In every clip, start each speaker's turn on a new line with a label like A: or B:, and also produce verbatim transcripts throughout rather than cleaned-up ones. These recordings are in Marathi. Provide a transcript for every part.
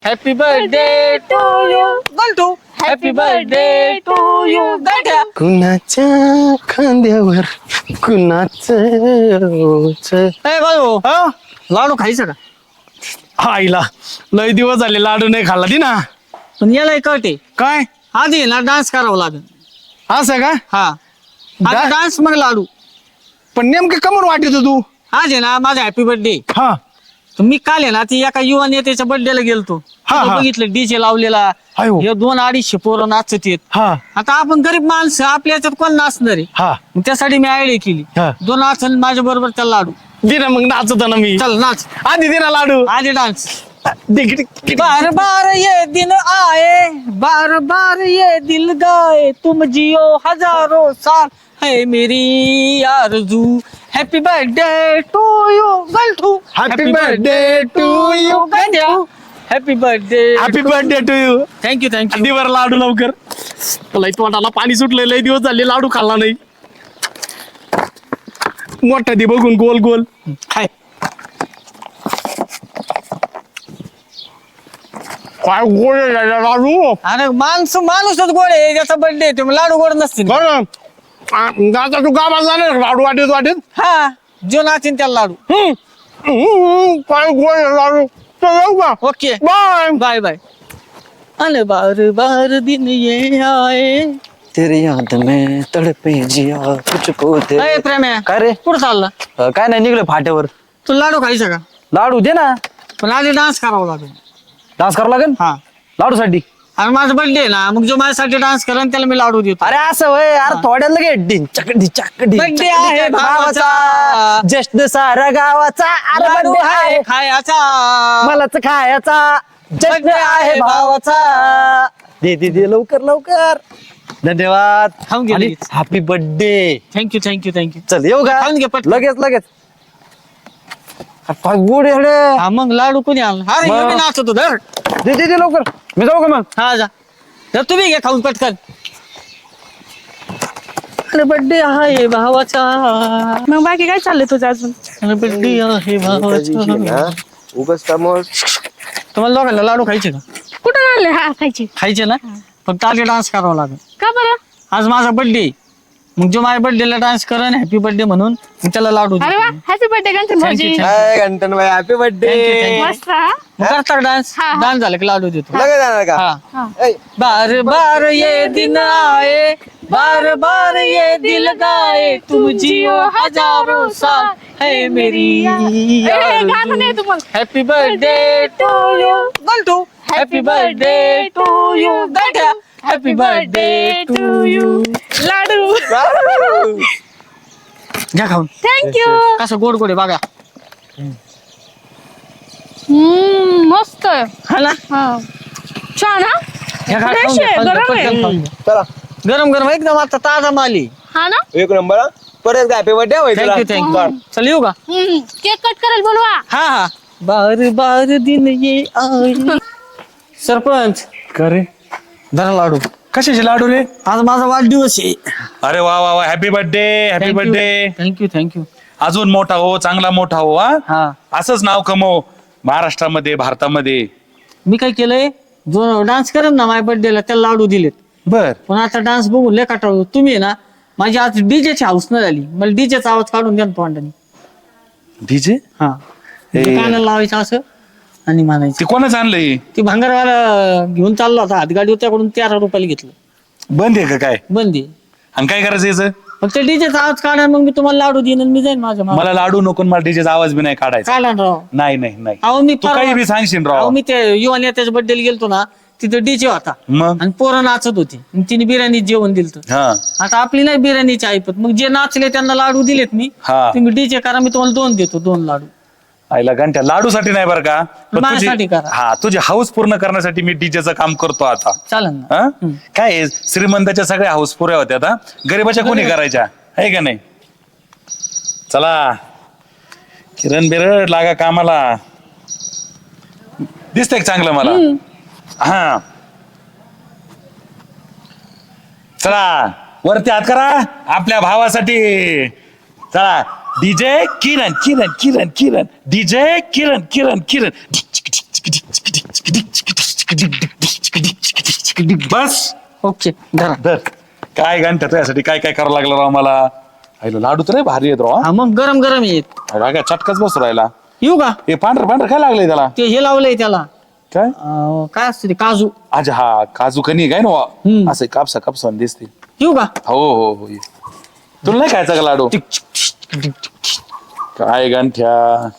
A: Happy birthday to you Gantu. Happy birthday to you Ganthya.
B: कुणाच्या खांद्यावर कुणाच
A: ए बाळू, लाडू खायचं का?
B: आईला लय दिवस झाले लाडू नाही खाल्ला ती ना.
A: पण याला कळते
B: काय
A: आधी ना डान्स करावा लागेल.
B: असं का?
A: हा
B: डा-
A: डान्स मग लाडू.
B: पण नेमकं कमून वाटत तू?
A: आज आहे ना माझा हॅपी बर्थडे.
B: हा
A: मी काल आहे ना ती एका युवा नेत्याच्या बर्थडेला गेलतो.
B: हा,
A: तिथं
B: हा.
A: बघितलं डीजे लावलेला.
B: अयो.
A: हे दोन अडीचशे पोरं नाचत आहेत.
B: हा
A: आता आपण गरीब माणसं आपल्या याच्यात कोण नाचणार आहे?
B: हा
A: मग त्यासाठी मी आयडिया केली.
B: हा.
A: दोन नाचन माझ्या बरोबर त्याला लाडू.
B: दे ना मग नाचतो ना मी.
A: चल नाच
B: आधी दे ना लाडू.
A: आधी डान्स.
B: दे किती- किती-
A: बार बार ये दिन आए, बार बार ये दिल गाए, तुम जियो हजारों साल है मेरी आरज़ू. Happy birthday to you Ganthu.
B: Happy birthday to you, Ganthu.
A: Happy birthday.
B: Happy birthday to you.
A: Thank you thank you.
B: दिवर लाडू लवकर. लय तोंडाला पाणी सुटलंय, लय दिवस झाले लाडू खाल्ला नाही. मोठा दे बघून गोल गोल.
A: खाय.
B: काय गोड आहे रे लाडू.
A: अरे माणूस माणूसच गोड आहे. ज्याचा बर्थडे तुम्ही लाडू गोड नसतील.
B: बरं आता तू गावात जाणार लाडू वाटेत वाटेत.
A: हा जो नाचीन त्याला लाडू.
B: हम्म. हम्म, काय गोड आहे लाडू. चल येऊ का?
A: Okay
B: bye.
A: Bye bye. अरे बार बार दिन ये आए.
C: तेरी याद में तड़पे जिया तुझको दे.
A: अरे प्रेम्या
C: काय रे
A: कुठं चालला?
C: अ, काय नाही निघलं फाट्यावर.
A: तू लाडू खायचा का?
C: लाडू दे ना.
A: पण आधी डान्स करावा लागेल.
C: डान्स करावं लागेल
A: हा
C: लाडू साठी.
A: आणि माझा बर्थडे आहे ना, मग जो माझ्यासाठी डान्स करेन त्याला मी लाडू देतो.
C: अरे असं वय अरे थोड्या लगे डिन चकडी चकडी
A: Birthday आहे भावाचा.
C: जश्न सारा गावाचा अरे
A: लाडू
C: birthday
A: आहे
C: आहे
A: खायचा.
C: मलाच खायचा जश्न
A: Birthday आहे
C: आहे भावाचा. दे दे दे लवकर लवकर. धन्यवाद
A: खाऊन घे लगेच.
C: Happy birthday.
A: Thank you thank you thank you.
C: चल येऊ का?
A: खाऊन घे पटकन.
C: लगेच लगेच. अरे, काय गोड आहे रे.
A: हा मग लाडू कोणी आणला? अरे
C: मग.
A: हे मी नाचतो धर.
C: दे दे दे लवकर. मी जाऊ का मग?
A: हा जा. तर तुम्ही घे खाऊन पटकन. अरे बर्थडे आहे भावाचा.
D: मग बाकी काय चाललंय तुझं अजून?
A: अरे बर्थडे आहे भावाचा.
B: उगाच कामावर.
A: तुम्हाला दोघांना लाडू खायचे का?
D: कुठं आणले हा खायची?
A: खायचे ना. फक्त आधी डान्स करावा लागेल.
D: का बरं?
A: आज माझा बर्थडे. मग जो माझ्या बर्थडेला डान्स करेन हॅपी बर्थडे म्हणून मी त्याला लाडू
D: अरे वा
A: देतो.
D: हॅपी बर्थडे गणपती
A: Thank
D: भाऊजी.
A: you, thank you.
B: घंटन भाई happy
A: Thank you, thank
B: birthday.
A: you.
D: मस्त हा?
A: मग करता डान्स.
D: हा, हा.
A: डान्स झाला की लाडू देतो.
B: लगेच जाणार का?
A: हा.
D: हा.
B: ऐ,
A: बार बार ये दिन आए, बार बार ये दिल गाए, तुम जियो हजारों साल है मेरी
D: ए, गाणं नाही तू मग.
A: Happy birthday to you Gantu. Happy birthday to you Ganthya. Happy birthday to you.
D: लाडू.
A: घ्या खाऊन.
D: थँक्यू.
A: कसं गोड गोड आहे बघा.
D: हम्म मस्त.
A: हा ना.
D: हा छान हा.
A: घ्या, खा,
D: Fresh
A: खाऊन घ्या,
D: आहे,
A: खाऊन घ्या,
D: गरम आहे.
A: पटकन खाऊन घ्या.
B: चला
A: गरम गरम एकदम आता ताजा माली.
D: हा ना.
B: एक नंबर हा. परत हॅपी बर्थडे होय तुला.
A: Thank you thank you. चल येऊ का?
D: हम्म केक कट करायला बोलवा.
A: हा हा. बार बार दिन ये आए. सरपंच
E: करे
A: धरा लाडू.
E: कशाचे लाडू रे?
A: आज माझा वाढदिवस आहे.
E: अरे वा वा वा happy birthday happy birthday.
A: Thank you thank you.
E: अजून मोठा हो चांगला मोठा हो हा
A: हा
E: असंच नाव कमव महाराष्ट्रामध्ये भारतामध्ये.
A: मी काय केलंय, जो डान्स करेन ना माझ्या बर्थडेला त्याला लाडू दिलेत.
E: बर
A: पण आता डान्स बघून लय काटाळू. तुम्ही आहे ना माझी आज डीजेची हाऊस न झाली. मला डीजेचा आवाज काढून द्या ना तोंडाने.
E: डीजे
A: हा म्हणजे कानाला लावायचं असं आणि म्हणायचं.
E: ते कोणाच आणलंय?
A: ती भांगरवाला घेऊन चालला होता हातगाडी त्याकडून तेरा रुपयाला घेतलं.
E: बंद आहे का काय?
A: बंदी.
E: आणि काय करायचं याचं?
A: मग ते डीजेचा आवाज काढा मग मी तुम्हाला लाडू देईन आणि मी जाईन माझ्या मागं.
E: मला लाडू नको मला डीजेचा आवाज बी नाही काढायचा.
A: काढा ना राव.
E: नाही नाही नाही
A: अहो मी
E: तू
A: परवा-
E: काही बी सांगशील
A: अहो
E: राव.
A: मी ते युवा नेत्याच्या बर्थडेला गेलतो ना, तिथं डीजे होता
E: मग
A: आणि पोरं नाचत होती आणि तिने बिर्याणी जेवण दिलं.
E: हा
A: आता आपली नाही बिर्याणीची ऐपत. मग जे नाचले त्यांना लाडू दिलेत मी.
E: हा
A: तुम्ही डीजे करा मी तुम्हाला दोन देतो दोन लाडू.
E: आईला घंट्या लाडूसाठी नाही बरं का पण तुझी-
A: माझ्यासाठी करा.
E: हा तुझी हाऊस पूर्ण करण्यासाठी मी डीजेचं काम करतो आता.
A: चालेल ना.
E: हा? काय आहे, श्रीमंताच्या सगळ्या हाऊस पुऱ्या होत्या आता गरीबाच्या कोणी करायच्या आहे का नाही? चला किरण बिरड लागा कामाला. दिसतंय का चांगलं मला? हा चला वरती हात करा आपल्या भावासाठी. चला डीजे किरण किरण किरण किरण डीजे किरण किरण किरण बस
A: ओके धरा.
E: धर. काय घंटा तुझ्यासाठी काय काय करावं लागलं राव मला. आईला लाडू तर लय भारी येत राव
A: हा मग गरम गरम येत.
E: हा. काय चटकाच बसू राहिला.
A: येऊ का?
E: हे पांढर पांढर काय लागलंय त्याला.
A: ते हे लावलंय त्याला
E: काय
A: अं, काय असतं ते काजू.
E: अच्छा हा काजू कनी काय ना
A: हम्म.
E: असं कापसा कापसा दिसते.
A: येऊ का?
E: हो हो हो ये. तुला नाही खायचा का लाडू. काय गंठ्या.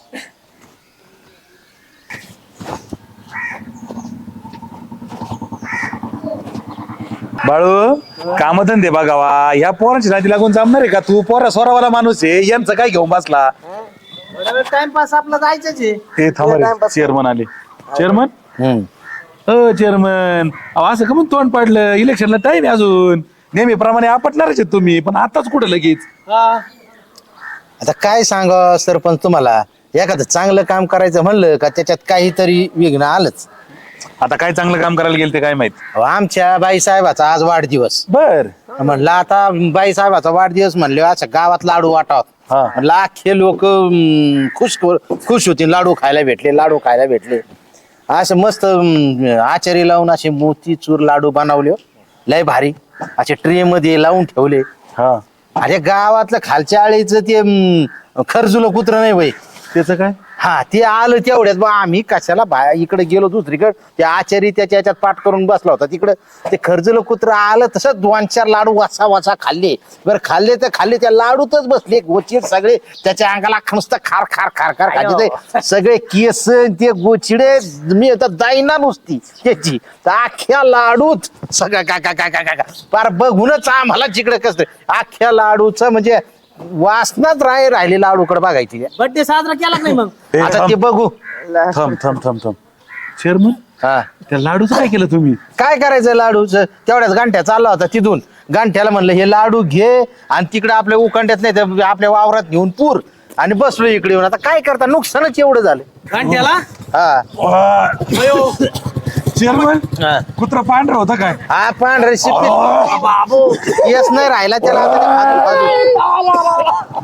E: बाळू कामधंदे बघावा ह्या पोरांची नादी लागून जमणार आहे का तू. पोरा सोरावाला माणूस आहे यांचं काय घेऊन बसला.
C: टाइमपास आपला जायचंच आहे.
E: ते थांबा चेअरमन आले. चेअरमन अ चेअरमन असं का मग तोंड पाडलं. इलेक्शनला टाइम आहे अजून. नेहमीप्रमाणे आपटणारच आहेत तुम्ही पण आताच कुठं लगेच.
C: आता काय सांगा सरपंच तुम्हाला, एखादं चांगलं काम करायचं म्हणलं का त्याच्यात काहीतरी विघ्न आलंच.
E: आता काय चांगलं काम करायला गेलं ते काय माहित.
C: अहो, आमच्या बाई साहेबाचा आज वाढदिवस.
E: बर
C: म्हणलं आता बाई साहेबाचा वाढदिवस म्हणले असं गावात लाडू वाटावत.
E: हा.
C: म्हणलं अख्खे लोक खुश खुश होतील. लाडू खायला भेटले लाडू खायला भेटले असं मस्त अं, आचारी लावून असे मोतीचूर लाडू बनवले हो. लय भारी असे ट्रे मध्ये लावून ठेवले.
E: हा
C: अरे गावातलं खालच्या आळीचं ते अं, खरजुलं कुत्र नाही बाई.
E: त्याचं काय.
C: हा ते आलं तेवढ्यात बा आम्ही कशाला बाया इकडे गेलो दुसरीकडे. ते आचारी त्याच्या याच्यात पाठ करून बसला होता तिकडं. ते खर्जलं कुत्र आलं तसं दोन चार लाडू वासा वासा खाल्ले. बरं खाल्ले तर खाल्ले त्या लाडूतच बसले गोचिड सगळे त्याच्या अंगाला नुसतं खार खार खार खार खायचे ते सगळे केस ते गोचिडे. मी आता जाईना नुसती त्याची तर अख्ख्या लाडूत सगळं का का का का का फार बघूनच आम्हाला जिकडे कसं अख्ख्या लाडूचं म्हणजे वासनाच राय राहिले लाडूकडे बघायची.
A: बर्थडे साजरा केला नाही मग.
E: ए,
C: आता
E: थांब
C: ते बघू.
E: थांब थांब थांब थांब चेअरमन
C: हा
E: त्या लाडूचं काय केलं तुम्ही.
C: काय करायचं लाडूचं तेवढ्याच गांठ्या चालला होता तिथून. गांठ्याला म्हणलं हे लाडू घे आणि तिकडे आपल्या उखंड्यात नाही तर आपल्या वावरात घेऊन पूर आणि बसलो इकडे येऊन. आता काय करता नुकसानच एवढं झालं.
A: घंट्याला
C: हा
E: चेअरमन
C: हा.
E: कुत्रा पांढरा होता काय.
C: हा पांढरे शिपी येस नाही राहिला त्याला आता ते आजू-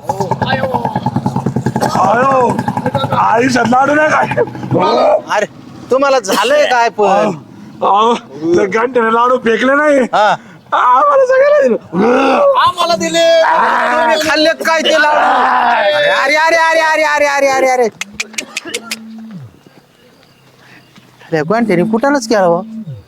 E: अयो आयुष्यात लाडू नाही काय.
C: आजू. अरे तुम्हाला झालंय काय पण.
E: त्या घंट्याने लाडू फेकले नाही
C: हा
E: आम्हाला सगळ्याला दिलं.
A: आम्हाला दिले.
C: तुम्ही खाल्लेत काय ते लाडू. अरे अरे अरे अरे अरे अरे अरे अरे अरे गांठ्याने कुठानच केला